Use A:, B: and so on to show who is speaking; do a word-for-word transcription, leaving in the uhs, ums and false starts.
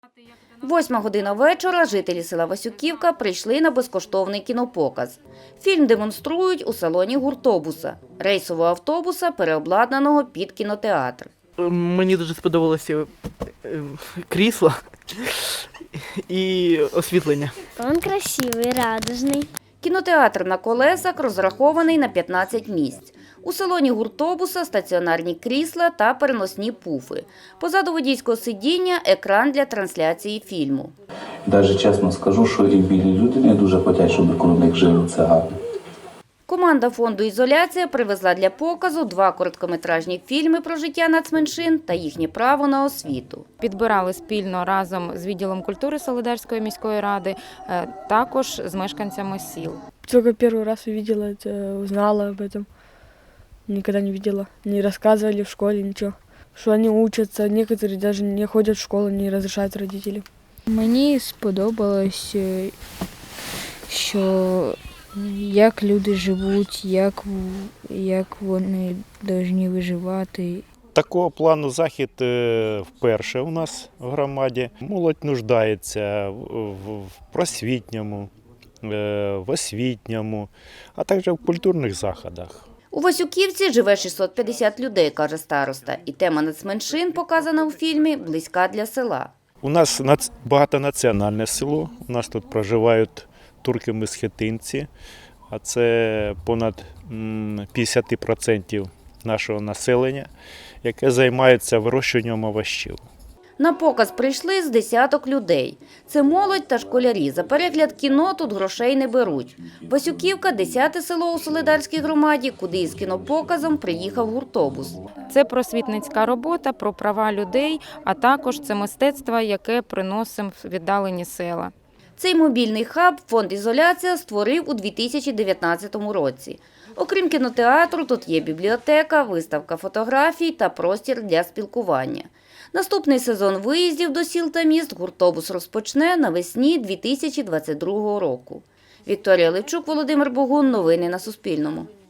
A: Восьма година вечора жителі села Васюківка прийшли на безкоштовний кінопоказ. Фільм демонструють у салоні гуртобуса – рейсового автобуса, переобладнаного під кінотеатр.
B: Мені дуже сподобалося крісло і освітлення.
C: Він красивий, радужний.
A: Кінотеатр на колесах розрахований на п'ятнадцять місць. У салоні гуртобуса стаціонарні крісла та переносні пуфи. Позаду водійського сидіння – екран для трансляції фільму.
D: Навіть чесно скажу, що і білі люди не дуже хочуть, щоб коло них жили. Це гарно.
A: Команда фонду «Ізоляція» привезла для показу два короткометражні фільми про життя нацменшин та їхнє право на освіту.
E: Підбирали спільно разом з відділом культури Солидарської міської ради, також з мешканцями сіл.
F: Тільки перший раз увидела, узнала об этом. Никогда не видела, не рассказывали в школе ничего. Что они учатся, некоторые даже не ходят в школу, не разрешают родители.
G: Мені сподобалось, що як люди живуть, як, як вони повинні виживати.
H: Такого плану захід вперше у нас в громаді. Молодь нуждається в просвітньому, в освітньому, а також в культурних заходах.
A: У Васюківці живе шістсот п'ятдесят людей, каже староста. І тема нацменшин, показана у фільмі, близька для села.
H: У нас багатонаціональне село, у нас тут проживають турки-месхетинці, а це понад п'ятдесят відсотків нашого населення, яке займається вирощуванням овочів.
A: На показ прийшли з десяток людей. Це молодь та школярі. За перегляд кіно тут грошей не беруть. Васюківка – десяте село у Солидарській громаді, куди із кінопоказом приїхав гуртобус.
E: Це просвітницька робота про права людей, а також це мистецтво, яке приносимо в віддалені села.
A: Цей мобільний хаб фонд «Ізоляція» створив у дві тисячі дев'ятнадцятому році. Окрім кінотеатру, тут є бібліотека, виставка фотографій та простір для спілкування. Наступний сезон виїздів до сіл та міст гуртобус розпочне навесні дві тисячі двадцять другого року. Вікторія Левчук, Володимир Богун. Новини на Суспільному.